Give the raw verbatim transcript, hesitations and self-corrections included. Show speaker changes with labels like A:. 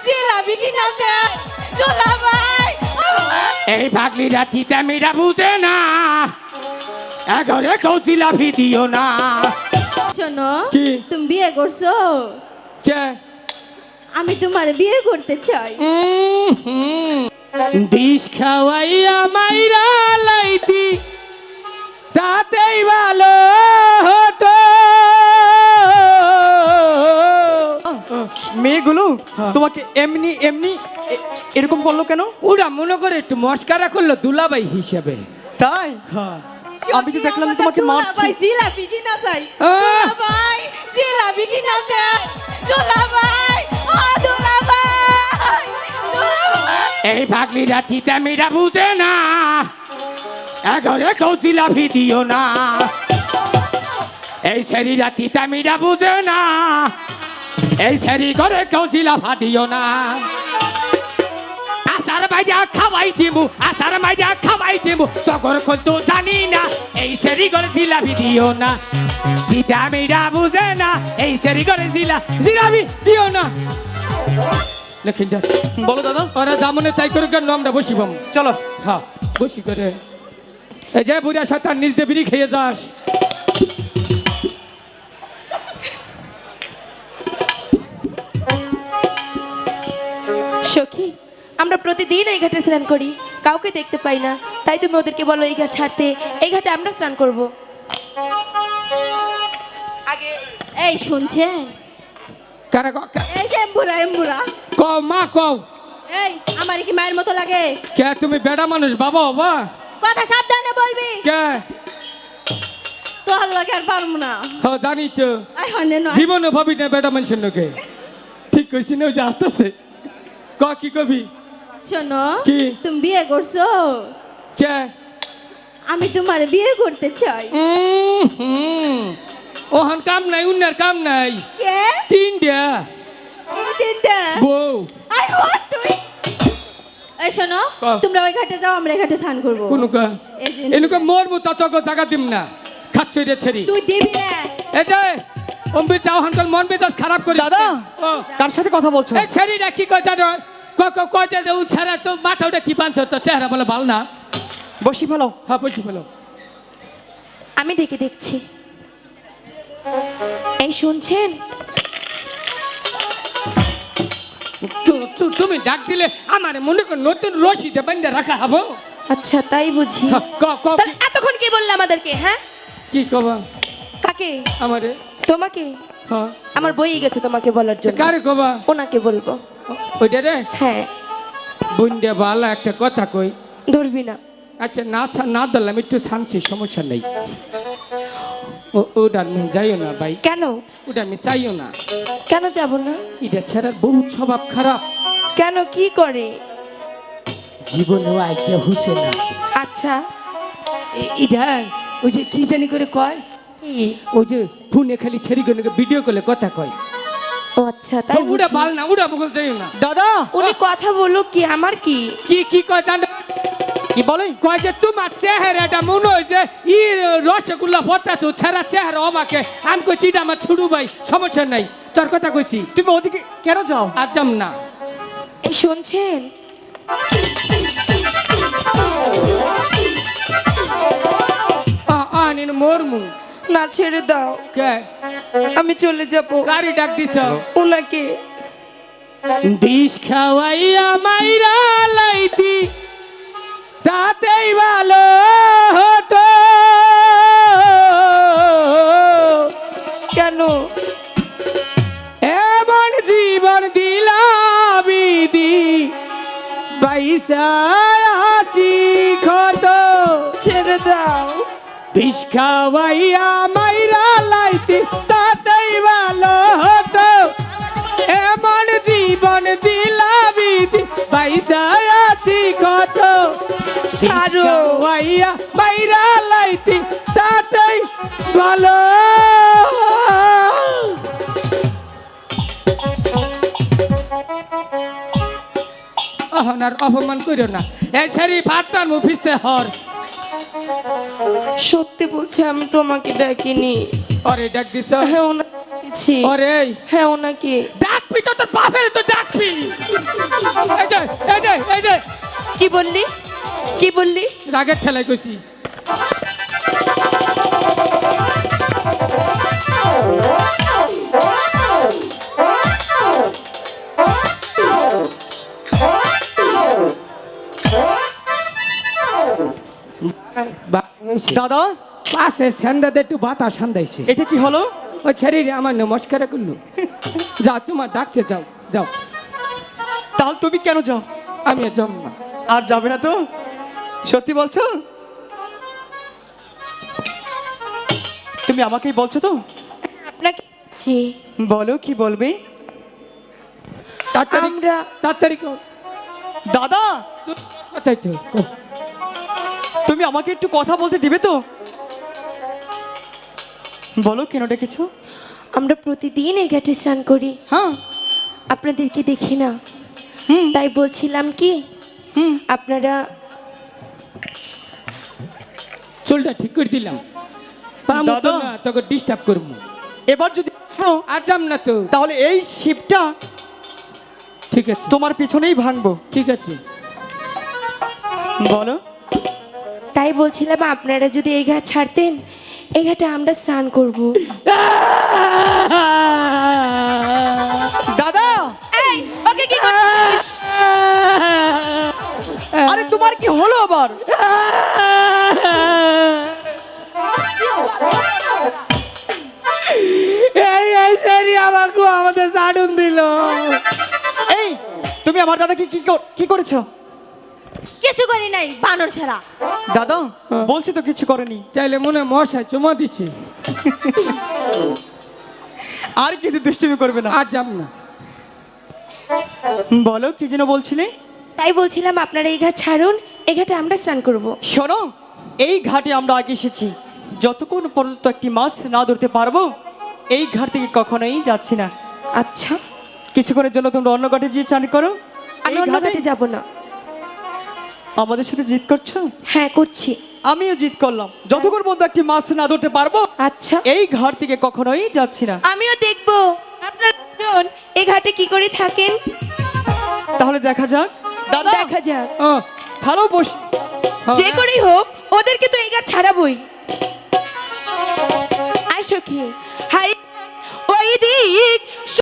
A: জিলাপি কিনা দে দুলা ভাই।
B: এই পাগলিরা তিতা মিঠা বুঝে না, এঘরে কেউ জিলাপি দিও না।
A: শোনো,
B: কি?
A: তুমি বিয়ে করছো?
B: কে?
A: আমি তোমার বিয়ে করতে চাই।
B: উম, হুম। বিষ খাওয়াইয়া মাইরা লাইতি তাতেই ভালো হতো।
C: মেয়েগুলো
B: হ্যাঁ।
C: তোমাকে এমনি এমনি এ- এরকম করলো কেন?
B: ওরা মনে করে একটু মস্কারা করলো দুলাভাই হিসেবে।
C: তাই
B: হ্যাঁ।
C: আমি তো দেখলাম যে তোমাকে মারছি।
A: ভাই জিলাপি কিনা চাই।
B: আহ!
A: দুলা ভাই জিলাপি কিনা দে দুলা ভাই। ও দুলা ভাই, দুলা ভাই।
B: এই পাগলিরা তিতা মিঠা বুঝে না, এঘরে কেউ জিলাপি দিও না। এই শরীরা তিতা মিঠা বুঝে না, এই শরীর ঘরে কেউ জিলাফা দিও না। আসার মাইজা খাওয়াই দিমু, আসার মাইজা খাওয়াই দিমু, তখন কিন্তু জানি না এই শরীর ঘরে জিলাপি দিও না। তিতা মিঠা বুঝে না, এই শরীর ঘরে জিলা জিলাপি দিও না। লেখিন যা,
C: বলো দাদা,
B: ওরা জামনে তাই করে কেন আমরা বসিবাম।
C: চলো।
B: হ্যাঁ বসি করে এই যে বুড়া শয়তান নিজ দিয়ে বিড়ি খেয়ে যাস।
D: সখী, আমরা প্রতিদিন এই ঘাটে স্নান করি, কাউকে দেখতে পাই না, তাই তুমি ওদেরকে বলো এই ঘাট ছাড়তে, এই ঘাটে আমরা স্নান করব। আগে
A: এই শুনছেন?
B: কারা
A: এই যে এম্বুরা এম্বুরা।
B: কও মা কও।
A: এই আমার কি মায়ের মতো লাগে?
B: কে তুমি বেড়া মানুষ বাবা বাবা?
A: কথা সাবধানে বলবি।
B: কে?
A: তোর লাগে আর পারবো না।
B: হ্যাঁ জানি তো,
A: আই হনে নয়।
B: জীবনে ভাবি না বেড়া মানুষের লোকে। ঠিক কইছি না, ওই যে আসতেছে। ক কি কবি?
A: শোনো,
B: কি?
A: তুমি বিয়ে করছো?
B: কে?
A: আমি তোমার বিয়ে করতে চাই।
B: উম, হুম। ওহন কাম নাই, উন্নার কাম নাই।
A: কে?
B: তিনটা
A: এই তিনটা।
B: বউ।
A: আই হোয়াট তুই? এই শোনো,
B: কও।
A: তোমরা ওই ঘাটে যাও, আমরা এই ঘাটে স্নান করব।
B: কোন কা
A: এই যে
B: এনুকে মোর মতো তক জায়গা দিম না, খাচ্ছই রে ছেড়ি।
A: তুই দিবি না।
B: এই যে অম্বির যাও হনকল মন মেজাজ খারাপ করে।
C: দাদা,
B: ও
C: কার সাথে কথা বলছো?
B: এই ছেড়িটা কি কয় জানো? ক ক কয় যে ও ছাড়া তো মাথা ওটা কি বানছ, তো চেহারা বলে ভালো না।
C: বসি ফেলো।
B: হ্যাঁ বসি ফেলো।
D: আমি ডেকে দেখছি। এই শুনছেন?
B: তু- তু- তুমি ডাক দিলে আমার মনে কর নতুন রশিদে বান্ধে রাখা হবো।
D: আচ্ছা তাই বুঝি।
B: হ্যাঁ, ক ক
D: তাহলে এতক্ষণ কি বললে আমাদেরকে? হ্যাঁ,
B: কি কবা
D: কাকে?
B: আমারে?
D: তোমাকে?
B: হ্যাঁ
D: আমার বই গেছে তোমাকে বলার জন্য।
B: কারে কবা?
D: ওনাকে বলবো।
B: ওইটা রে
D: হ্যাঁ,
B: বন্ধে ভালো একটা কথা কই।
D: ধরবি না।
B: আচ্ছা না ছা- না ধরলাম একটু শান্তি, সমস্যা নেই। ও- ওটা আমি যাইও না ভাই,
D: কেন?
B: ওটা আমি চাইও না।
D: কেন যাব না?
B: এটা ছেড়ার বহুত স্বভাব খারাপ,
D: কেন, কি করে?
B: জীবনেও আইডিয়া হুসে না।
D: আচ্ছা,
B: এ- এটা ওই যে কি জানি করে কয়,
D: কি?
B: ওই যে ফোনে খালি ছেড়ি করে ভিডিও করলে কথা কয়।
D: ও আচ্ছা তাই
B: ওটা
D: বুঝি।
B: ভাল না, ওটা বগল চাইও না।
C: দাদা,
D: উনি কথা বলুক, কি আমার কি?
B: কি কি কয় জানো?
C: কি বলে?
B: কয় যে তোমার চেহারাটা মনে হয় যে ই রসগোল্লা ফটাছো, ছেঁড়া চেহারা আমাকে। আমি কইছি এটা আমার ছোট ভাই, সমস্যা নাই, তোর কথা কইছি।
C: তুমি ওদিকে কেন যাও?
B: আর যাম না।
D: এই শুনছেন?
B: আনিন মরমু।
D: না, ছেড়ে দাও,
B: কে?
D: আমি চলে যাব।
B: গাড়ি ডাক দিছ?
D: ওনাকে।
B: বিষ খাওয়াইয়া মাইরা লাইতি তাতেই ভালো হতো।
D: কেন?
B: এমন জীবন দিলাবিদি পয়সা আছি ক্ষত।
D: ছেড়ে দাও।
B: বিষ খাওয়াইয়া মাইরা লাইতি তাতেই ভালো হতো। এমন জীবন দিলাবিদি পয়সা আছি কত।
D: ছাড়ো।
B: খাওয়াইয়া মাইরা লাইতি তাতেই ভালো। অহনার অপমান করিও না। এই ছেড়ি ভাতটার মুফিসতে হর।
D: সত্যি বলছি, আমি তোমাকে ডাকিনি।
B: ওরে ডাক দিছ?
D: হ্যাঁ, ওনাকে ডেকেছি।
B: ওরে
D: হ্যাঁ, ওনাকে।
B: ডাকবি তো, তোর বাপের তো ডাকবি।
D: কি বললি কি বললি
B: রাগের ঠেলায় কইছি। বা- হইছে।
C: দাদা
B: পাশে সেন্দাতে একটু বাতাস সান্দাইছে।
C: এটা কি হলো?
B: ও ছেড়ে আমার নমস্কার করলো। যা তোমার ডাকছে, যাও যাও।
C: তাহলে তুমি কেন যাও?
B: আমি আর যাবো না।
C: আর যাবে না তো? সত্যি বলছো? তুমি আমাকেই বলছো তো?
D: আপনাকে জি,
C: বলো কি বলবে।
B: তাড়াতাড়ি
D: আমরা
B: তাড়াতাড়ি কর।
C: দাদা
B: কোথায় তো কও।
C: তুমি আমাকে একটু কথা বলতে দিবে তো? বলো কেন ডেকেছো?
D: আমরা প্রতিদিন এই ঘাটে স্নান করি,
C: হ্যাঁ।
D: আপনাদেরকে দেখি না,
C: হুম
D: তাই বলছিলাম কি
C: হুম
D: আপনারা
B: চুলটা ঠিক করে দিলাম। পা মতো
C: দাদা।
B: না তোকে ডিস্টার্ব করবো।
C: এবার যদি আসো,
B: আর যাম না তো।
C: তাহলে এই শিপটা
B: ঠিক আছে
C: তোমার পিছনেই ভাঙবো।
B: ঠিক আছে।
C: বলো।
D: তাই বলছিলাম আপনারা যদি এই ঘাট ছাড়তেন, এই ঘাটে আমরা স্নান করব।
C: দাদা
D: এই ওকে কি করছিস?
C: আরে তোমার কি হলো আবার?
B: এই এই সেরি আমাকে আমাদের সাডুন দিল।
C: এই তুমি আমার দাদাকে কি কর- কি করেছো?
A: কিছু করি নাই বানর ছেড়া।
C: দাদা বলছি তো কিছু করেনি।
B: চাইলে মনে হয় মশাই চুমা দিচ্ছে।
C: আর কিন্তু দুষ্টুমি করবে না।
B: আর যাম না।
C: বলো কি যেন বলছিলে?
D: তাই বলছিলাম আপনারা এই ঘাট ছাড়ুন, এই ঘাটে আমরা স্নান করব।
C: শোনো, এই ঘাটে আমরা আগে এসেছি, যতক্ষণ পর্যন্ত একটি মাছ না ধরতে পারবো এই ঘাট থেকে কখনোই যাচ্ছি না।
D: আচ্ছা,
C: কিছুক্ষণের জন্য তোমরা অন্য ঘাটে গিয়ে চান করো।
D: আমি
C: এই
D: অন্য
C: ঘাটে
D: ঘাটে যাব না।
C: আমাদের সাথে জিত করছো?
D: হ্যাঁ করছি।
C: আমিও জিত করলাম, যতক্ষণ পর্যন্ত একটি মাছ না ধরতে পারবো
D: আচ্ছা,
C: এই ঘাট থেকে কখনোই যাচ্ছি না।
D: আমিও দেখব আপনারা দুজন এই ঘাটে কি করে থাকেন।
C: তাহলে দেখা যাক। দাদা
D: দেখা যাক,
B: ও
C: ভালো বস।
D: যে করেই হোক ওদেরকে তো এই ঘাট ছাড়াবই। আয় সখী, হাই ওই দিক